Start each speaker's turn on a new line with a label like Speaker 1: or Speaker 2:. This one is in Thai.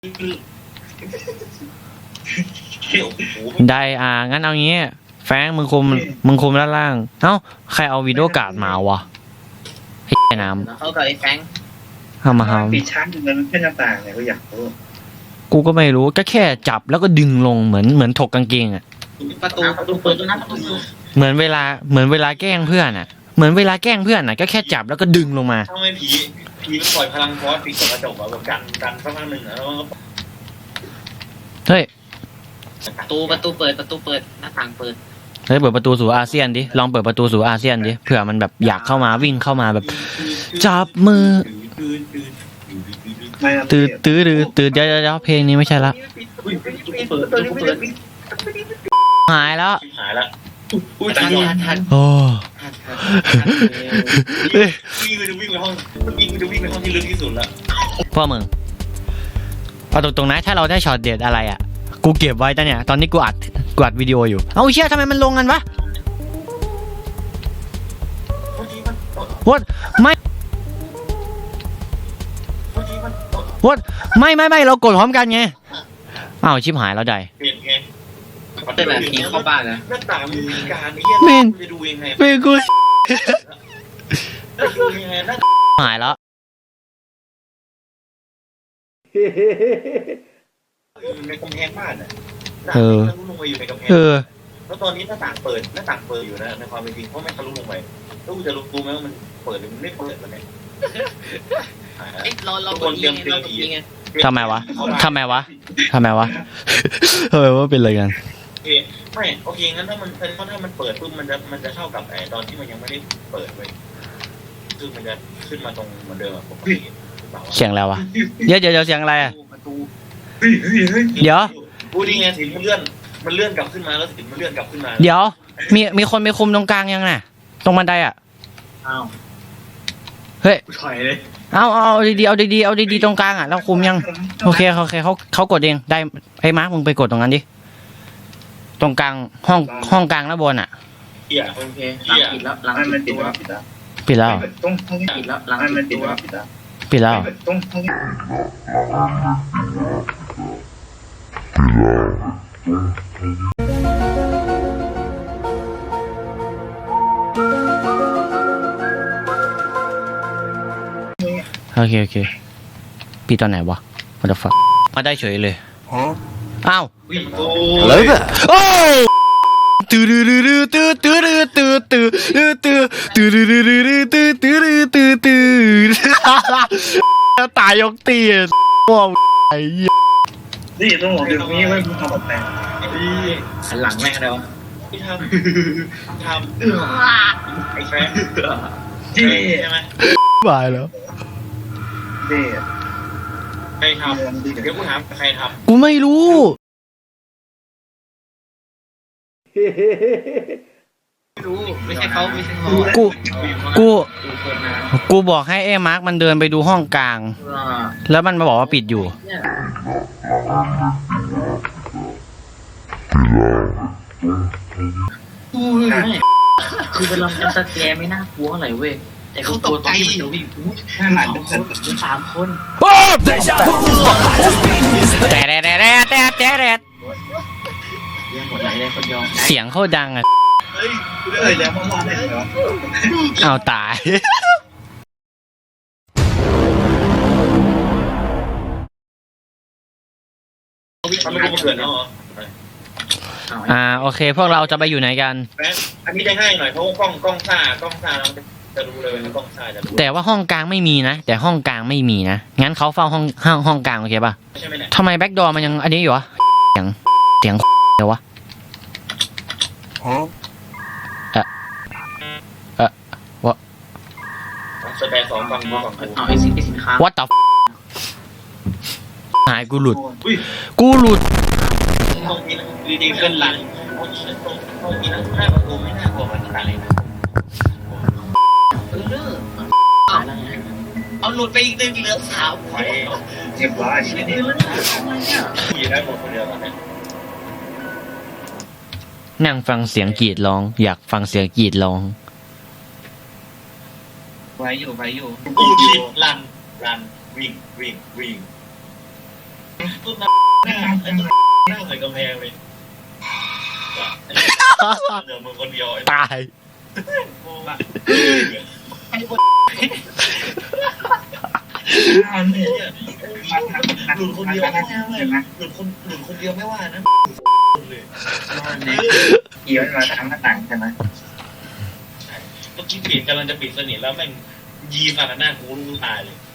Speaker 1: ได้งั้นเอางี้แฟงมึงคุมด้านล่างเอ้าใครเอาวิดีโอการ์ดมาวะไอ้น้ำ
Speaker 2: เขากับไอ้แฟง
Speaker 1: เอามา
Speaker 3: ปิดชั้นมันแค่หน้าต่างเนี่ยก็อยากรู้
Speaker 1: กูก็ไม่รู้ก็แค่จับแล้วก็ดึงลงเหมือนถกกางเกงอ่ะ
Speaker 2: ประตูเปิดตัวนั้นประตู
Speaker 1: เหมือนเวลาแกล้งเพื่อนอ่ะเหมือนเวลาแกล้งเพื่อนอ่ะก็แค่จับแล้วก็ดึงลงมา
Speaker 4: ทำไมผีมันปล่อยพลังฟอสปิดกระจกแบบกันสักพักหนึ่งแล้ว
Speaker 1: เฮ้ย
Speaker 2: ประตูเปิดหน้าต่างเปิด
Speaker 1: เฮ้ยเปิดประตูสู่อาเซียนดิลองเปิดประตูสู่อาเซียนดิเผื่อมันแบบอยากเข้ามาวิ่งเข้ามาแบบจับมือตื้อเดี๋ยวเพลงนี้ไม่ใช่ละหายแล้ว
Speaker 4: อุ้ยทัน
Speaker 1: โอ้
Speaker 4: วิ่งไปห้องที่ลึกที่สุดละ
Speaker 1: พ่อมึงเอาตรงๆนะถ้าเราได้ช็อตเด็ดอะไรอ่ะกูเก็บไว้แต่เนี่ยตอนนี้กูอัดวิดีโออยู่เอาเชี่ยทำไมมันลงกันวะวดไม่เรากดพร้อมกันไงอ้าวชิบหายแล้วได้
Speaker 4: เปลี่ยนไง
Speaker 2: เป็นแบบผีเข้าบ้านนะ
Speaker 4: หน้าต่างมีการจะดูยังไง
Speaker 1: กูหายแล้ว
Speaker 4: ในกำแพงบ้านอ่ะ
Speaker 1: ทะ
Speaker 4: ลุลงไปอยู่ในกำแพงแล้วตอนนี้หน้าต่างเปิดอยู่นะในความเป็นจริงเพราะไม่ทะลุลงไปแล้วกูจะรู้ไหมว่ามันเปิดหรือมันไม่เปิดมันเนี่ย
Speaker 2: เราคนเตรียมไง
Speaker 1: ทำไมวะทำไมว่าเป็นอะไรกัน
Speaker 4: ไม่โอเคงั้นถ้ามันเปิดปุ๊บมันจะเท่ากับตอนที่มันยังไม่ได้เปิดเลยคือมันจะขึ้นมาตรงเหมือนเดิมปกติ
Speaker 1: เสียงแล้ววะเดี๋ยวเสียงอะไรอ่ะเดี๋ยว
Speaker 4: พูดดีไงสิมันเลื่อนกลับขึ้นมาแล้วสิมันเลื่อนกลับขึ้นมา
Speaker 1: เดี๋ยวมีคนไปคุมตรงกลางยังน่ะตรงบันไดอ่ะเฮ้ย
Speaker 4: ถอยเลย
Speaker 1: เอาดีตรงกลางอ่ะเราคุมยังโอเคเขากดเองได้ไอ้มาร์คมึงไปกดตรงนั้นดิตรงกลางห้องกลางแล้วบนอ่ะ
Speaker 4: โอเค
Speaker 2: ปิดแล้วหลัง
Speaker 1: ปิดแล้ว
Speaker 2: ปิดแล้วหลัง
Speaker 1: ปิดแล้วโอเคปีตอนไหนวะwhat the fuck มาได้เฉยเลยอ้าวอะไรแบบโอ้ตายยกตีว้าวไอ้
Speaker 3: นี่ต้องบอกเดี๋ยวนี้ไม่ทำแบบแต่
Speaker 2: หันหลังแม่งแล้ว
Speaker 4: ที่ทำไอ้แฟนใช่ไหม
Speaker 1: บายแล้ว
Speaker 4: ใครทำเดี๋ยวกูถามใครทำ
Speaker 1: กูไม่รู้
Speaker 2: ไม่ใช่เขา
Speaker 1: กูบอกให้มาร์คมันเดินไปดูห้องกลางแล้วมันมาบอกว่าปิดอยู่
Speaker 2: คือเวลามันสแกนไม่น่ากลัวอะไรเว้ยแต่เขาตกใจอยู่วิ่ง3 คน
Speaker 1: โอ้เสียงเขาดังอ่ะเอาตายโอเคพวกเราจะไปอยู่ไหนกัน
Speaker 4: อันนี้ได้ง่ายหน่อยเพราะกล้องซ่าเราจะรู้เลยกล้องซ่าจะรู้
Speaker 1: แต่ว่าห้องกลางไม่มีนะแต่ห้องกลางไม่มีนะงั้นเขาเฝ้าห้องกลางโอเคป่ะทำไมแบ็คดอร์มันยังอันนี้อยู่วะเสียงเดี๋ยววะวะ
Speaker 4: สแตน2ฟัง
Speaker 2: เอาไอ้สินค้า
Speaker 1: What the หายกูหลุด
Speaker 4: ห้องนี้ดีๆเกินหลังห้องนี้หน้าประตูไม่น่ากลัวมันอะไรนะเอาหลุดไปอีก1เหลือ3
Speaker 3: ไปเจ็บร้อย
Speaker 4: ขี่ได้หมดคนเดียวตอนนี้
Speaker 1: นั่งฟังเสียงกรีดร้องอยากฟังเสียงกรีดร้อง
Speaker 2: ไว้อยู่
Speaker 4: กูคิดลันวิ่งต้นหน้าไอ้ต้นหน้าใส่กำแพงเลยเดี๋ยวมึงคนเดียวไอ้
Speaker 1: ตาย
Speaker 3: อันนี้
Speaker 4: หลุดคนเดียวไม่ว่าหลุดคนเดียวไม่ว่านะเลย
Speaker 3: เกี่ยวมาทางหน้าต่างใช่ไหม
Speaker 4: เมื่อกี้ปิดกำลังจะปิดสนิทแล้วแม่งยีมากับหน้ากูรู้ตายเลย